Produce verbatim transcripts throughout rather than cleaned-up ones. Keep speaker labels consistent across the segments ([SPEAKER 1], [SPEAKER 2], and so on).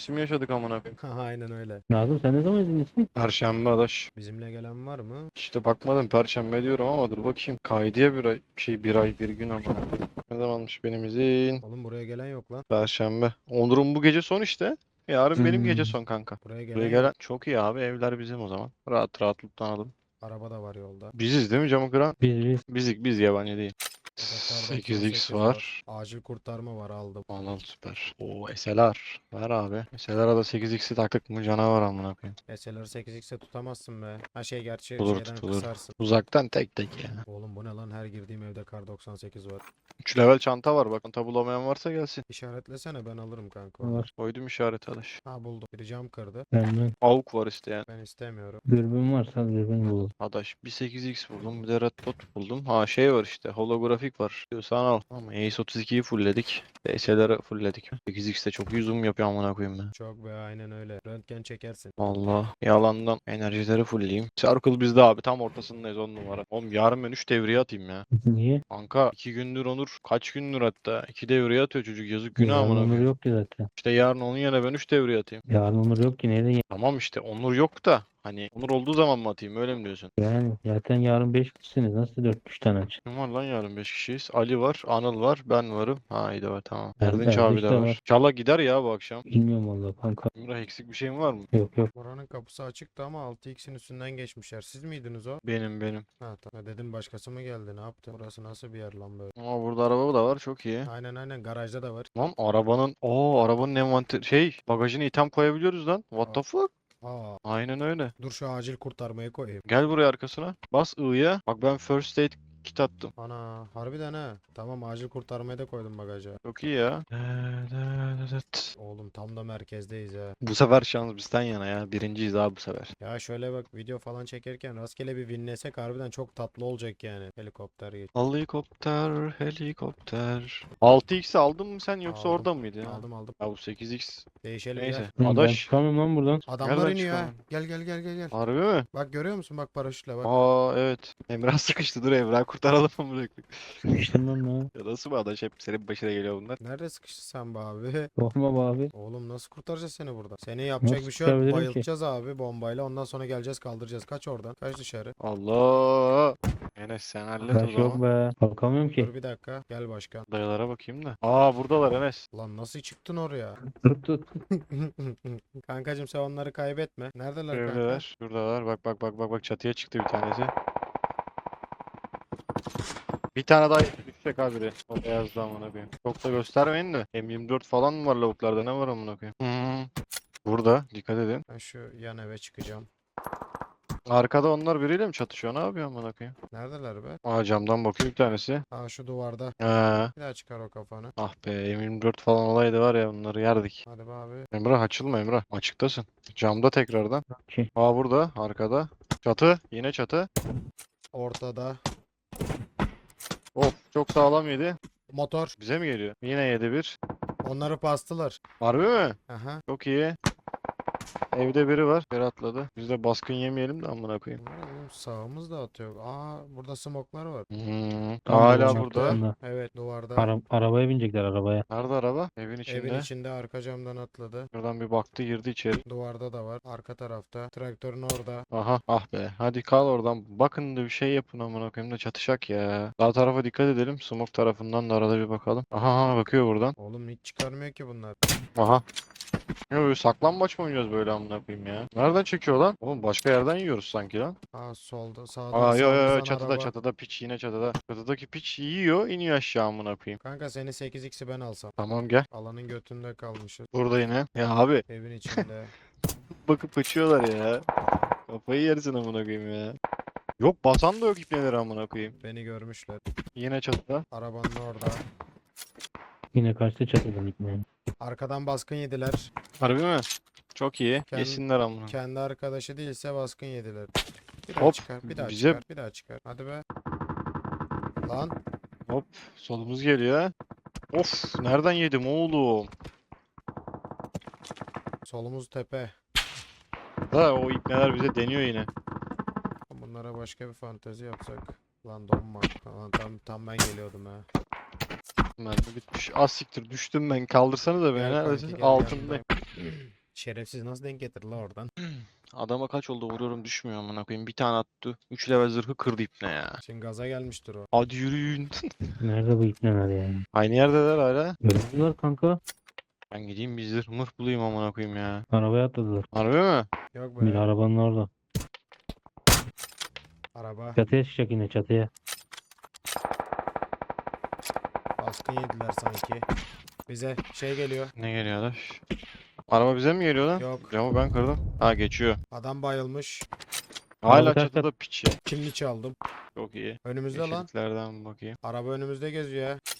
[SPEAKER 1] mevsimi yaşadık amına koyayım.
[SPEAKER 2] Aynen öyle.
[SPEAKER 3] Nazım sen ne zaman izinlisin?
[SPEAKER 1] Perşembe adaş.
[SPEAKER 2] Bizimle gelen var mı?
[SPEAKER 1] İşte bakmadım perşembe diyorum ama dur bakayım. Kaydıya bir ay, şey bir ay bir gün amına koyayım. Ne zamanmış benim izin?
[SPEAKER 2] Oğlum buraya gelen yok lan.
[SPEAKER 1] Perşembe. Onur'un bu gece son işte. Yarın benim gece
[SPEAKER 3] Hmm.
[SPEAKER 1] son kanka.
[SPEAKER 2] Buraya gelen
[SPEAKER 1] Buraya
[SPEAKER 2] yok.
[SPEAKER 1] gelen çok iyi abi, evler bizim o zaman. Rahat rahat lootlanalım.
[SPEAKER 2] Araba da var yolda.
[SPEAKER 1] Biziz değil mi camı kıran?
[SPEAKER 3] Biz biz.
[SPEAKER 1] Bizik biz, yabancı değil.
[SPEAKER 2] Burada kar
[SPEAKER 1] sekiz x
[SPEAKER 2] doksan sekiz
[SPEAKER 1] var.
[SPEAKER 2] Acil kurtarma var, aldım.
[SPEAKER 1] Alan süper. Oo S L R. Ver abi. S L R'a da sekiz x'i taktık mı canavar amına koyayım.
[SPEAKER 2] S L R sekiz x'e tutamazsın be. Ha şey gerçi
[SPEAKER 1] Tutulur
[SPEAKER 2] şeyden
[SPEAKER 1] tutulur.
[SPEAKER 2] kısarsın.
[SPEAKER 1] Uzaktan tek tek ya.
[SPEAKER 2] Oğlum bu ne lan, her girdiğim evde kar doksan sekiz var.
[SPEAKER 1] üç level çanta var bak. Çanta bulamayan varsa gelsin.
[SPEAKER 2] İşaretlesene, ben alırım kanka onu.
[SPEAKER 3] Var.
[SPEAKER 1] Koydum işareti alış.
[SPEAKER 2] Ha buldum. Biri cam kırdı.
[SPEAKER 3] Benden.
[SPEAKER 1] Avuk var isteyen.
[SPEAKER 2] Ben istemiyorum.
[SPEAKER 3] Dürbün varsa dürbün bulur.
[SPEAKER 1] Adaş bir sekiz x buldum, bir de red dot buldum. Ha şey var işte, holografik var. Diyorsan al. Ama Ace otuz ikiyi fullledik. D S L'leri fullledik. sekiz x'te çok iyi zoom yapıyor amına koyayım ben.
[SPEAKER 2] Çok be, aynen öyle. Röntgen çekersin.
[SPEAKER 1] Allah. Yalandan enerjileri fullleyeyim. Circle bizde abi, tam ortasındayız, on numara. Oğlum yarın ben üç devriye atayım ya.
[SPEAKER 3] Niye?
[SPEAKER 1] Kanka iki gündür Onur, kaç gündür hatta iki devriye atıyor çocuk, yazık günah
[SPEAKER 3] Yarın
[SPEAKER 1] amına
[SPEAKER 3] Onur
[SPEAKER 1] koyayım.
[SPEAKER 3] yok ki zaten.
[SPEAKER 1] İşte yarın onun yerine ben üç devriye atayım.
[SPEAKER 3] Yarın Onur yok ki nereye?
[SPEAKER 1] Tamam işte Onur yok da hani Onur olduğu zaman mı atayım, öyle mi diyorsun?
[SPEAKER 3] Yani zaten yarın beş kişisiniz. Nasıl dört üç tane aç?
[SPEAKER 1] Kim var lan yarın, beş kişiyiz. Ali var, Anıl var, ben varım. Ha iyi de var, tamam.
[SPEAKER 3] Er-
[SPEAKER 1] Erdinç abi
[SPEAKER 3] Erdiş
[SPEAKER 1] de
[SPEAKER 3] de
[SPEAKER 1] var.
[SPEAKER 3] var.
[SPEAKER 1] İnşallah gider ya bu akşam.
[SPEAKER 3] Bilmiyorum vallahi kanka.
[SPEAKER 1] Emrah eksik bir şeyin var mı?
[SPEAKER 3] Yok yok.
[SPEAKER 2] Oranın kapısı açıktı ama altı x'in üstünden geçmişler. Siz miydiniz o?
[SPEAKER 1] Benim benim.
[SPEAKER 2] Ha tamam. Dedim başkası mı geldi, ne yaptı? Burası nasıl bir yer lan böyle?
[SPEAKER 1] Ama burada araba da var, çok iyi.
[SPEAKER 2] Aynen aynen, garajda da var.
[SPEAKER 1] Lan arabanın, o arabanın envanter şey bagajına item koyabiliyoruz lan. What the fuck?
[SPEAKER 2] Aa,
[SPEAKER 1] Aynen öyle.
[SPEAKER 2] dur şu acil kurtarmayı koyayım.
[SPEAKER 1] Gel buraya arkasına. Bas I'ya. Bak ben first aid kit attım.
[SPEAKER 2] Ana harbiden ha. Tamam, acil kurtarmayı da koydum bagaja.
[SPEAKER 1] Çok iyi ya.
[SPEAKER 2] Oğlum tam da merkezdeyiz ha.
[SPEAKER 1] Bu sefer şans bizden yana ya. Birinciyiz abi bu sefer.
[SPEAKER 2] Ya şöyle bak, video falan çekerken rastgele bir winlesek harbiden çok tatlı olacak yani. Helikopter geç.
[SPEAKER 1] Helikopter, helikopter. altı x'i aldın mı sen, yoksa
[SPEAKER 2] Aldım.
[SPEAKER 1] orada mıydı ya?
[SPEAKER 2] Aldım aldım.
[SPEAKER 1] Ya bu sekiz x.
[SPEAKER 2] Değişelim
[SPEAKER 1] Neyse.
[SPEAKER 2] gel.
[SPEAKER 3] Lan ben
[SPEAKER 1] Adaş.
[SPEAKER 3] çıkamıyorum lan buradan.
[SPEAKER 2] Adamlar
[SPEAKER 1] Nereden
[SPEAKER 2] iniyor ha.
[SPEAKER 1] çıkalım?
[SPEAKER 2] Gel gel gel gel gel.
[SPEAKER 1] Harbi mi?
[SPEAKER 2] Bak görüyor musun, bak paraşütle bak.
[SPEAKER 1] Aa evet. Emrah sıkıştı, dur Emrah kurtaralım mı bırak.
[SPEAKER 3] Sıkıştım lan lan.
[SPEAKER 1] Ya nasıl bu adaş, hep senin başına geliyor bunlar.
[SPEAKER 2] Nerede sıkıştı sen be abi?
[SPEAKER 3] Korkma be abi.
[SPEAKER 2] Oğlum nasıl kurtaracağız seni burada? Seni yapacak
[SPEAKER 3] Nasıl
[SPEAKER 2] bir şey yok.
[SPEAKER 3] kurtarabilirim ki?
[SPEAKER 2] Bayıltacağız abi bombayla. Ondan sonra geleceğiz, kaldıracağız. Kaç oradan. Kaç dışarı.
[SPEAKER 1] Allah. Enes sen hallet o
[SPEAKER 3] Kaç yok
[SPEAKER 1] zaman.
[SPEAKER 3] be. Kalkamıyorum ki.
[SPEAKER 2] Dur bir dakika. Gel başkan.
[SPEAKER 1] Dayılara bakayım da. Aa buradalar Enes.
[SPEAKER 2] Lan nasıl çıktın oraya?
[SPEAKER 3] Tut tut.
[SPEAKER 2] Kankacım sen onları kaybetme. Neredeler kanka?
[SPEAKER 1] Evdeler. Şuradalar. Bak bak bak bak bak, çatıya çıktı bir tanesi. Bir tane daha düşecek abi biri. O beyazdı amına koyayım. Çok da göstermeyin de. M yirmi dört falan mı var lavuklarda, ne var amına koyayım. Hmm. Burada dikkat edin.
[SPEAKER 2] Ben şu yan eve çıkacağım.
[SPEAKER 1] Arkada onlar biriyle mi çatışıyor, ne yapıyor amına koyayım.
[SPEAKER 2] Neredeler be?
[SPEAKER 1] Aa camdan bakıyor bir tanesi.
[SPEAKER 2] Ha şu duvarda.
[SPEAKER 1] Ha.
[SPEAKER 2] Bir daha çıkar o kafanı.
[SPEAKER 1] Ah be, M yirmi dört falan olaydı var ya, bunları yerdik.
[SPEAKER 2] Hadi be abi.
[SPEAKER 1] Emrah açılma Emrah. Açıktasın. Camda tekrardan.
[SPEAKER 3] Ki.
[SPEAKER 1] Aa burada arkada. Çatı. Yine çatı.
[SPEAKER 2] Ortada.
[SPEAKER 1] Of çok sağlam yedi.
[SPEAKER 2] Motor.
[SPEAKER 1] Bize mi geliyor? Yine yedi bir.
[SPEAKER 2] Onları pastılar.
[SPEAKER 1] Harbi mi?
[SPEAKER 2] Aha.
[SPEAKER 1] Çok iyi. Evde biri var. Bir atladı. Biz de baskın yemeyelim de amına koyayım.
[SPEAKER 2] Oo, sağımız da atıyor. Aa burada smoklar var.
[SPEAKER 1] Hmm.
[SPEAKER 3] Tam
[SPEAKER 1] Hala
[SPEAKER 3] duvarın
[SPEAKER 1] burada.
[SPEAKER 3] arkasında.
[SPEAKER 2] Evet duvarda.
[SPEAKER 3] Ara- arabaya binecekler arabaya.
[SPEAKER 1] Nerede araba? Evin içinde.
[SPEAKER 2] Evin içinde arka camdan atladı.
[SPEAKER 1] Şuradan bir baktı, girdi içeri.
[SPEAKER 2] Duvarda da var. Arka tarafta. Traktörün orada.
[SPEAKER 1] Aha. Ah be. Hadi kal oradan. Bakın da bir şey yapın amına koyayım da çatışak ya. Sağ tarafa dikkat edelim. Smoke tarafından da arada bir bakalım. Aha, aha bakıyor buradan.
[SPEAKER 2] Oğlum hiç çıkarmıyor ki bunlar.
[SPEAKER 1] Aha. Ya böyle saklambaç mı oynuyoruz böyle amına koyayım ya? Nereden çekiyor lan? Oğlum başka yerden yiyoruz sanki lan.
[SPEAKER 2] Aa solda sağdan
[SPEAKER 1] Aa yo yo yo,
[SPEAKER 2] sağımızdan
[SPEAKER 1] çatıda
[SPEAKER 2] araba.
[SPEAKER 1] çatıda piç, yine çatıda. Çatıdaki piç yiyor, iniyor aşağı amına koyayım.
[SPEAKER 2] Kanka seni sekiz x'i ben alsam.
[SPEAKER 1] Tamam gel.
[SPEAKER 2] Alanın götünde kalmışız.
[SPEAKER 1] Burada yine. Ya abi
[SPEAKER 2] Evin içinde.
[SPEAKER 1] bakıp kaçıyorlar ya. Kafayı yersin amına koyayım ya. Yok basan da yok ipneleri amına koyayım.
[SPEAKER 2] Beni görmüşler.
[SPEAKER 1] Yine çatıda.
[SPEAKER 2] Arabanın orada.
[SPEAKER 3] Yine kaçtı çatıdan gitmeye.
[SPEAKER 2] Arkadan baskın yediler.
[SPEAKER 1] Harbi mi? Çok iyi.
[SPEAKER 2] Kend-
[SPEAKER 1] Yesinler amına.
[SPEAKER 2] Kendi arkadaşı değilse baskın yediler. Bir daha
[SPEAKER 1] Hop,
[SPEAKER 2] çıkar. Bir daha
[SPEAKER 1] bize-
[SPEAKER 2] çıkar. Bir daha çıkar. Hadi be. Lan.
[SPEAKER 1] Solumuz geliyor ha. Of nereden yedim oğlum?
[SPEAKER 2] Solumuz tepe.
[SPEAKER 1] Da o ipneler bize deniyor yine.
[SPEAKER 2] Bunlara başka bir fantezi yapsak. Lan donma. Lan tam tam ben geliyordum ha.
[SPEAKER 1] Mermi bitmiş. Az siktir düştüm ben. Kaldırsanız da beni.
[SPEAKER 2] Gel kanki,
[SPEAKER 1] Neredesin?
[SPEAKER 2] gel,
[SPEAKER 1] Altındayım.
[SPEAKER 2] yanındayım. Şerefsiz nasıl denk getirdi la oradan?
[SPEAKER 1] Adama kaç oldu vuruyorum düşmüyor amına koyayım. Bir tane attı. üç level zırhı kırdı ipne ya.
[SPEAKER 2] Şimdi gaza gelmiştir o.
[SPEAKER 1] Hadi yürüyün.
[SPEAKER 3] Nerede bu ipneler ya?
[SPEAKER 1] Aynı yerdeler hala.
[SPEAKER 3] Öldüler kanka.
[SPEAKER 1] Ben gideyim bir zırh mırh bulayım amına koyayım ya.
[SPEAKER 2] Arabaya
[SPEAKER 3] atladılar.
[SPEAKER 1] Harbi mi?
[SPEAKER 2] Yok
[SPEAKER 3] Bir
[SPEAKER 2] be.
[SPEAKER 3] arabanın orada.
[SPEAKER 2] Araba.
[SPEAKER 3] Çatıya çıkacak yine çatıya.
[SPEAKER 2] Baskın yediler sanki. Bize şey geliyor.
[SPEAKER 1] Ne geliyor adaş? Araba bize mi geliyor lan?
[SPEAKER 2] Yok.
[SPEAKER 1] Camı ben kırdım. Ha geçiyor.
[SPEAKER 2] Adam bayılmış.
[SPEAKER 1] Hala
[SPEAKER 3] Araba ters
[SPEAKER 1] çatıda piç ya.
[SPEAKER 2] Kimli çaldım.
[SPEAKER 1] Çok iyi.
[SPEAKER 2] Önümüzde lan.
[SPEAKER 1] Yeşilliklerden bakayım.
[SPEAKER 2] Araba önümüzde geziyor ya.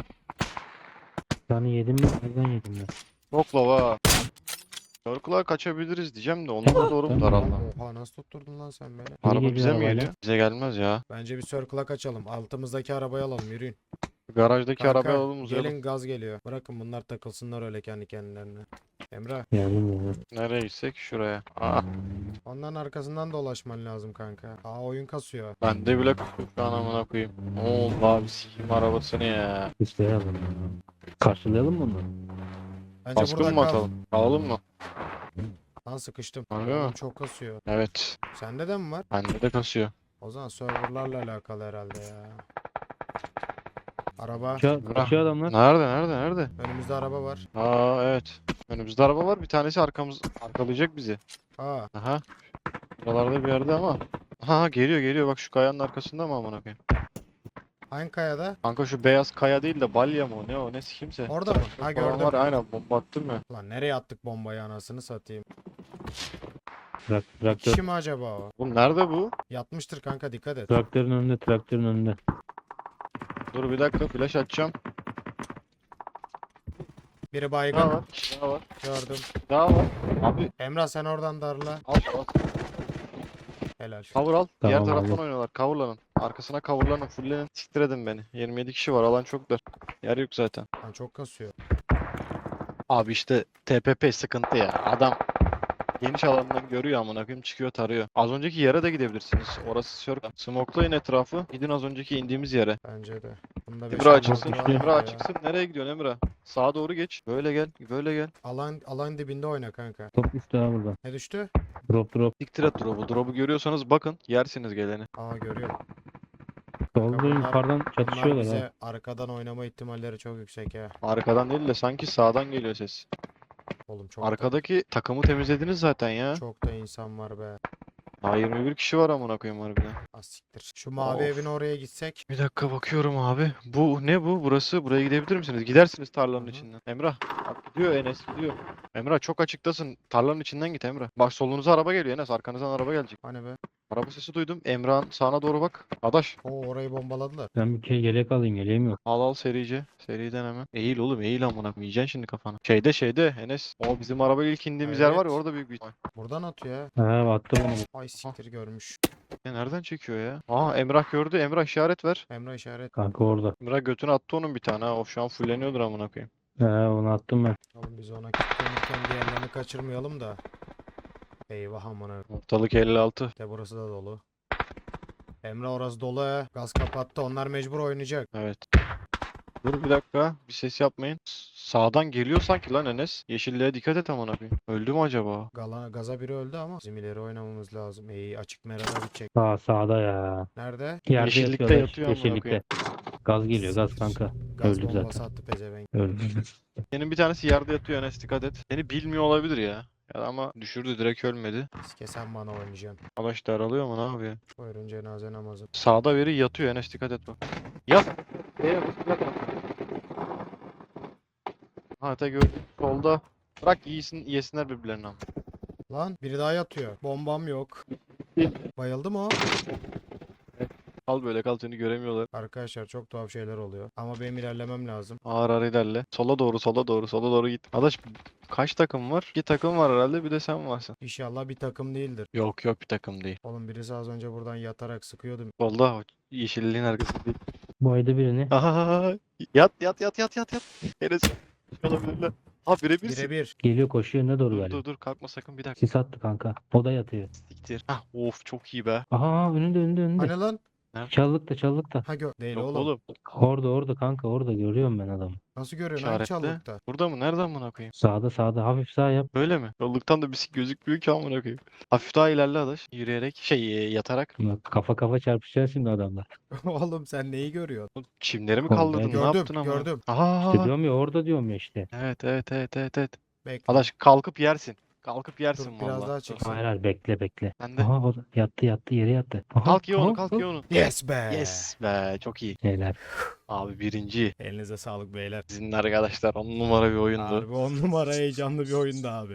[SPEAKER 3] Yani yedim mi? Nereden yedim ben?
[SPEAKER 1] Çok lava. Circle'a kaçabiliriz diyeceğim de onlara doğru mu daraldı?
[SPEAKER 2] Oha nasıl tutturdun lan sen beni?
[SPEAKER 1] Araba
[SPEAKER 3] geliyor
[SPEAKER 1] bize mi
[SPEAKER 3] arabayla?
[SPEAKER 1] geliyor? Bize gelmez ya.
[SPEAKER 2] Bence bir circle'a kaçalım. Altımızdaki arabayı alalım yürüyün.
[SPEAKER 1] Garajdaki
[SPEAKER 2] Kanka,
[SPEAKER 1] arabayı alalım uzayalım.
[SPEAKER 2] gelin gaz geliyor. Bırakın bunlar takılsınlar öyle kendi kendilerine. Emrah
[SPEAKER 3] Geldim ya.
[SPEAKER 1] Nereye gitsek? Şuraya. Aa,
[SPEAKER 2] onların arkasından dolaşman lazım kanka. Aa oyun kasıyor.
[SPEAKER 1] ben de bile kırdım şu an amına koyayım. Ne oldu abi sikeyim arabasını ya.
[SPEAKER 3] İsteyelim. Karşılayalım mı onu?
[SPEAKER 2] Bence
[SPEAKER 1] Baskın
[SPEAKER 2] burada
[SPEAKER 1] mı
[SPEAKER 2] kal.
[SPEAKER 1] atalım? Alalım mı?
[SPEAKER 2] Lan sıkıştım.
[SPEAKER 1] Harbi
[SPEAKER 2] Oğlum
[SPEAKER 1] mi?
[SPEAKER 2] çok kasıyor.
[SPEAKER 1] Evet.
[SPEAKER 2] Sende de mi var?
[SPEAKER 1] Bende de kasıyor.
[SPEAKER 2] O zaman serverlarla alakalı herhalde ya. Araba.
[SPEAKER 3] Kaçıyor, kaçıyor adamlar.
[SPEAKER 1] Nerede nerede nerede?
[SPEAKER 2] Önümüzde araba var.
[SPEAKER 1] Aa evet. Önümüzde araba var. Bir tanesi arkamız arkalayacak bizi.
[SPEAKER 2] Aa
[SPEAKER 1] Aha. Buralarda bir yerde ama. Aha geliyor geliyor bak şu kayanın arkasında mı amına koyayım?
[SPEAKER 2] hangi kayada?
[SPEAKER 1] Kanka şu beyaz kaya değil de balya mı o ne o ne kimse.
[SPEAKER 2] Orada mı? Ha gördüm.
[SPEAKER 1] Var aynen bomba attım ya.
[SPEAKER 2] Lan nereye attık bombayı anasını satayım.
[SPEAKER 3] Trak, traktör.
[SPEAKER 2] Kişi mi acaba o?
[SPEAKER 1] Oğlum nerede bu?
[SPEAKER 2] Yatmıştır kanka dikkat et.
[SPEAKER 3] Traktörün önünde, traktörün önünde.
[SPEAKER 1] Dur bir dakika flash açacağım.
[SPEAKER 2] Biri
[SPEAKER 1] Daha
[SPEAKER 2] baygın.
[SPEAKER 1] var. Daha var.
[SPEAKER 2] Gördüm.
[SPEAKER 1] Daha var. Abi
[SPEAKER 2] Emrah sen oradan darla.
[SPEAKER 1] al al.
[SPEAKER 2] Helal.
[SPEAKER 1] Cover al. Diğer
[SPEAKER 3] Tamam,
[SPEAKER 1] taraftan
[SPEAKER 3] aldım.
[SPEAKER 1] oynuyorlar. Coverlanın. Arkasına coverlanın. Fulllenin. Siktir edin beni. yirmi yedi kişi var. Alan çok dar. Yer yok zaten.
[SPEAKER 2] Lan çok kasıyor.
[SPEAKER 1] Abi işte T P P sıkıntı ya. Adam geniş alandan görüyor amına koyayım çıkıyor tarıyor. Az önceki yere de gidebilirsiniz. Orası circle. Smoke'layın etrafı. Gidin az önceki indiğimiz yere.
[SPEAKER 2] Bence de. Bunda beş
[SPEAKER 1] Emre
[SPEAKER 2] altı
[SPEAKER 1] açıksın.
[SPEAKER 2] var
[SPEAKER 1] Emre
[SPEAKER 2] ya.
[SPEAKER 1] açıksın. Nereye gidiyorsun Emre? Sağa doğru geç. Böyle gel. Böyle gel.
[SPEAKER 2] Alan alan dibinde oyna kanka.
[SPEAKER 3] Top düştü ha burada.
[SPEAKER 2] Ne düştü?
[SPEAKER 3] Drop drop.
[SPEAKER 1] Siktir et drop'u. Drop'u görüyorsanız bakın. Yersiniz geleni.
[SPEAKER 2] Aa görüyorum.
[SPEAKER 3] Solda
[SPEAKER 2] bunlar-
[SPEAKER 3] yukarıdan
[SPEAKER 2] Bunlar
[SPEAKER 3] çatışıyorlar
[SPEAKER 2] bize
[SPEAKER 3] ha.
[SPEAKER 2] arkadan oynama ihtimalleri çok yüksek ya.
[SPEAKER 1] Arkadan değil de sanki sağdan geliyor ses.
[SPEAKER 2] Oğlum çok da,
[SPEAKER 1] Arkadaki takımı temizlediniz zaten ya.
[SPEAKER 2] çok da insan var be.
[SPEAKER 1] Daha yirmi bir kişi var amına koyayım harbiden.
[SPEAKER 2] Az siktir. Şu mavi
[SPEAKER 1] Of.
[SPEAKER 2] evin oraya gitsek.
[SPEAKER 1] Bir dakika bakıyorum abi. Bu ne bu? Burası. Buraya gidebilir misiniz? Gidersiniz tarlanın
[SPEAKER 2] Hı hı.
[SPEAKER 1] içinden. Emrah. Bak gidiyor Enes gidiyor. Emrah çok açıktasın. Tarlanın içinden git Emrah. Bak solunuza araba geliyor Enes. Arkanızdan araba gelecek.
[SPEAKER 2] Hani be.
[SPEAKER 1] Araba sesi duydum. Emrah'ın sağına doğru bak. Adaş.
[SPEAKER 2] Oo orayı bombaladılar.
[SPEAKER 3] Ben bir kere yelek alayım, yeleğim yok.
[SPEAKER 1] Al al serice. Seriden hemen. Eğil oğlum eğil amına koyayım. Yiyeceksin şimdi kafanı. Şeyde şeyde Enes. O bizim araba ilk indiğimiz yer var ya
[SPEAKER 2] Evet.
[SPEAKER 1] orada büyük bir ihtimal.
[SPEAKER 2] Buradan atıyor
[SPEAKER 3] Ha attı bana.
[SPEAKER 2] ya. Ay siktir görmüş.
[SPEAKER 1] Ya nereden çekiyor ya? Aa Emrah gördü. Emrah işaret ver.
[SPEAKER 2] Emre işaret.
[SPEAKER 3] Kanka orada.
[SPEAKER 1] Emrah götüne attı onun bir tane ha. O şu an fulleniyordur amına koyayım.
[SPEAKER 3] Ha onu attım ben.
[SPEAKER 2] Oğlum biz ona kilitlenirken diğerlerini kaçırmayalım da. Eyvah amına.
[SPEAKER 1] Ortalık elli altı.
[SPEAKER 2] De burası da dolu. Emre orası dolu he. Gaz kapattı. Onlar mecbur oynayacak.
[SPEAKER 1] Evet. Dur bir dakika. Bir ses yapmayın. S- Sağdan geliyor sanki lan Enes. Yeşilliğe dikkat et amına koyayım. Öldü mü acaba?
[SPEAKER 2] Gala, gaza biri öldü ama bizim ileri oynamamız lazım. İyi açık merada bitecek.
[SPEAKER 3] Sağ sağda ya.
[SPEAKER 2] Nerede?
[SPEAKER 3] Yerde
[SPEAKER 1] Yeşillikte
[SPEAKER 3] yatıyorlar,
[SPEAKER 1] yatıyor amına
[SPEAKER 3] yeşillikte.
[SPEAKER 1] koyayım.
[SPEAKER 3] Gaz geliyor gaz kanka.
[SPEAKER 2] Gaz
[SPEAKER 3] Öldü
[SPEAKER 2] bombası
[SPEAKER 3] zaten.
[SPEAKER 2] attı pezevenk.
[SPEAKER 3] Öldü.
[SPEAKER 1] Senin bir tanesi yerde yatıyor Enes dikkat et. Seni bilmiyor olabilir ya. Ya da ama düşürdü direkt ölmedi.
[SPEAKER 2] Sike sen bana oynayacaksın.
[SPEAKER 1] Adaş daralıyor mu ne yapıyor?
[SPEAKER 2] Buyurun cenaze namazı.
[SPEAKER 1] Sağda biri yatıyor Enes dikkat et bak. Yat. Yat. Yat. Ha te gördüm. Solda. Bırak iyisin, yesinler birbirlerine ama.
[SPEAKER 2] Lan biri daha yatıyor. Bombam yok. Bayıldı mı o?
[SPEAKER 1] Kal böyle kal seni göremiyorlar.
[SPEAKER 2] Arkadaşlar çok tuhaf şeyler oluyor. Ama benim ilerlemem lazım.
[SPEAKER 1] Ağır ağır ilerle. Sola doğru sola doğru sola doğru git. Adaş kaç takım var? İki takım var herhalde bir de sen varsın.
[SPEAKER 2] İnşallah bir takım değildir.
[SPEAKER 1] Yok yok bir takım değil.
[SPEAKER 2] Oğlum birisi az önce buradan yatarak sıkıyordu.
[SPEAKER 1] Solda o yeşilliğin arkası değil.
[SPEAKER 3] Baydı birini.
[SPEAKER 1] Aha, yat yat yat yat yat yat. Enes olabilirler. Ha birebirsin.
[SPEAKER 2] Birebir.
[SPEAKER 3] Geliyor koşuyor ne doğru
[SPEAKER 1] Dur
[SPEAKER 3] galiba.
[SPEAKER 1] dur dur kalkma sakın bir dakika.
[SPEAKER 3] Sis attı kanka. O da yatıyor.
[SPEAKER 1] Siktir. Hah of çok iyi be.
[SPEAKER 3] Aha önünde önünde önünde.
[SPEAKER 2] Hani lan?
[SPEAKER 1] Nerede?
[SPEAKER 3] Çalılıkta çalılıkta.
[SPEAKER 2] Ha gö değil
[SPEAKER 1] Yok
[SPEAKER 2] oğlum.
[SPEAKER 1] oğlum.
[SPEAKER 3] Orada orada kanka orada görüyorum ben adamı.
[SPEAKER 2] Nasıl görüyorsun? Hangi
[SPEAKER 1] İşaretle.
[SPEAKER 2] çalılıkta?
[SPEAKER 1] Burada mı? Nereden amına koyayım?
[SPEAKER 3] Sağda sağda hafif sağ yap.
[SPEAKER 1] Böyle mi? Yolluktan da bir şey gözükmüyor ki amına koyayım. Hafif daha ilerle adaş. Yürüyerek şey e, yatarak.
[SPEAKER 3] Bak, kafa kafa çarpışacağız şimdi adamlar.
[SPEAKER 2] Oğlum sen neyi görüyorsun?
[SPEAKER 1] Oğlum, çimleri mi
[SPEAKER 3] Oğlum,
[SPEAKER 1] kaldırdın? Ne
[SPEAKER 2] Gördüm,
[SPEAKER 1] yaptın ama?
[SPEAKER 2] gördüm.
[SPEAKER 1] Aha.
[SPEAKER 3] İşte diyorum ya orada diyorum ya işte.
[SPEAKER 1] Evet evet evet evet evet.
[SPEAKER 2] Bekle.
[SPEAKER 1] Adaş kalkıp yersin. Kalkıp yersin
[SPEAKER 2] Dur, biraz
[SPEAKER 1] valla.
[SPEAKER 2] daha
[SPEAKER 1] Dur.
[SPEAKER 2] çıksın.
[SPEAKER 3] Hayır hayır bekle bekle.
[SPEAKER 1] Ben de.
[SPEAKER 3] Aha o da yattı yattı yere yattı. Aha,
[SPEAKER 1] Kalk ye onu
[SPEAKER 3] aha,
[SPEAKER 1] kalk
[SPEAKER 3] aha.
[SPEAKER 1] ye onu.
[SPEAKER 2] Yes be.
[SPEAKER 1] Yes be çok iyi.
[SPEAKER 3] Helal.
[SPEAKER 1] Abi birinci.
[SPEAKER 2] Elinize sağlık beyler.
[SPEAKER 1] Sizin arkadaşlar on numara bir oyundu.
[SPEAKER 2] Harbi on numara heyecanlı bir oyundu abi.